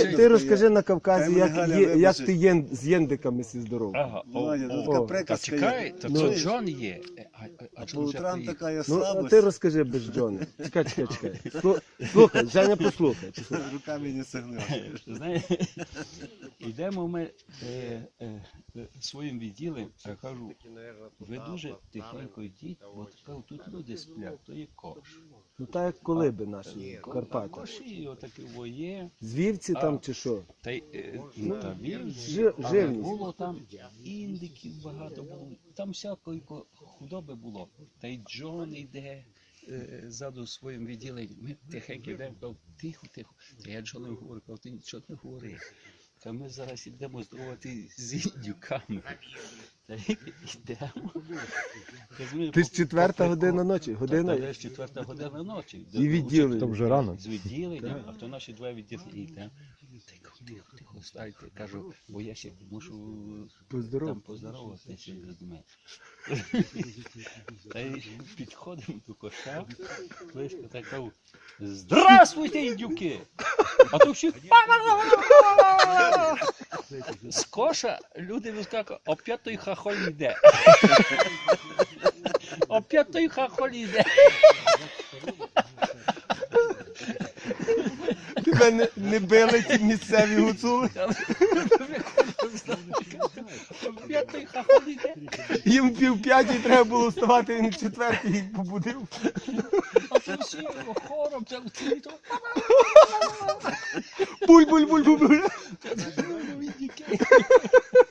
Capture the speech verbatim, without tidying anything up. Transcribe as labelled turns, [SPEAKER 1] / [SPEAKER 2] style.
[SPEAKER 1] розкажи, ти розкажи на Кавказі, як, є, як ти єн, з єндиками сі здоров.
[SPEAKER 2] Ага, о,
[SPEAKER 3] Володя,
[SPEAKER 2] о,
[SPEAKER 3] така
[SPEAKER 1] о,
[SPEAKER 2] та
[SPEAKER 3] приказка
[SPEAKER 2] чекай,
[SPEAKER 3] є.
[SPEAKER 2] то
[SPEAKER 1] Ну.
[SPEAKER 2] це Джон є. Е, А, а,
[SPEAKER 3] А
[SPEAKER 2] а
[SPEAKER 3] по
[SPEAKER 2] Джон вже
[SPEAKER 3] утрам
[SPEAKER 2] приїхав.
[SPEAKER 3] така є
[SPEAKER 1] Ну, а
[SPEAKER 3] слабость.
[SPEAKER 1] ти розкажи без Джона. Чекай, чекай, чекай. Слу- Слухай, Женя, послухай.
[SPEAKER 3] Руками не согнеш.
[SPEAKER 2] Знаєш, йдемо ми е, е, е, своїм відділом, я кажу, ви дуже тихенько йдіть, бо кажу, тут люди сплять, то є кош.
[SPEAKER 1] Ну так як колиби наші, в
[SPEAKER 2] Там
[SPEAKER 1] Карпатах.
[SPEAKER 2] коші, отакі воє,
[SPEAKER 1] З вівці там чи що?
[SPEAKER 2] та й е, ну, та вівці,
[SPEAKER 1] жи-
[SPEAKER 2] але
[SPEAKER 1] живність.
[SPEAKER 2] було там індиків багато було, там всякої ко- худоби було, та й Джон йде. е, Ззаду своїм відділенням. Ми тихенько йдемо, кажу, тихо, тихо. Та я Джону говорю, кажу, ти нічого не говори. Та ми зараз йдемо здоровати з індюками. Та й йдемо. Та з ми
[SPEAKER 1] Ти ж
[SPEAKER 2] по-
[SPEAKER 1] четверта
[SPEAKER 2] по-
[SPEAKER 1] година ночі,
[SPEAKER 2] Та
[SPEAKER 1] година
[SPEAKER 2] десь четверта година ночі.
[SPEAKER 1] і відділення.
[SPEAKER 4] То вже рано.
[SPEAKER 2] З відділенням, а то наші два відділення. йдемо. Тихо, тихо, тихо, стайте. Кажу, бо я ще мушу
[SPEAKER 1] Поздоров.
[SPEAKER 2] там поздороватися з людьми. Та й підходимо до коша, близько так кажу, здравствуйте, індюки! А то всі з коша люди вискакують, опять той хахоль йде. Опять той хахоль йде.
[SPEAKER 1] Тебе не, не били ці місцеві гуцули?
[SPEAKER 2] Опять той хахоль йде.
[SPEAKER 1] Їм пів п'ятій треба було вставати, він в четвертій їх побудив.
[SPEAKER 2] А то всі хором, це то
[SPEAKER 1] Буль-буль-буль-буль.
[SPEAKER 2] індюки.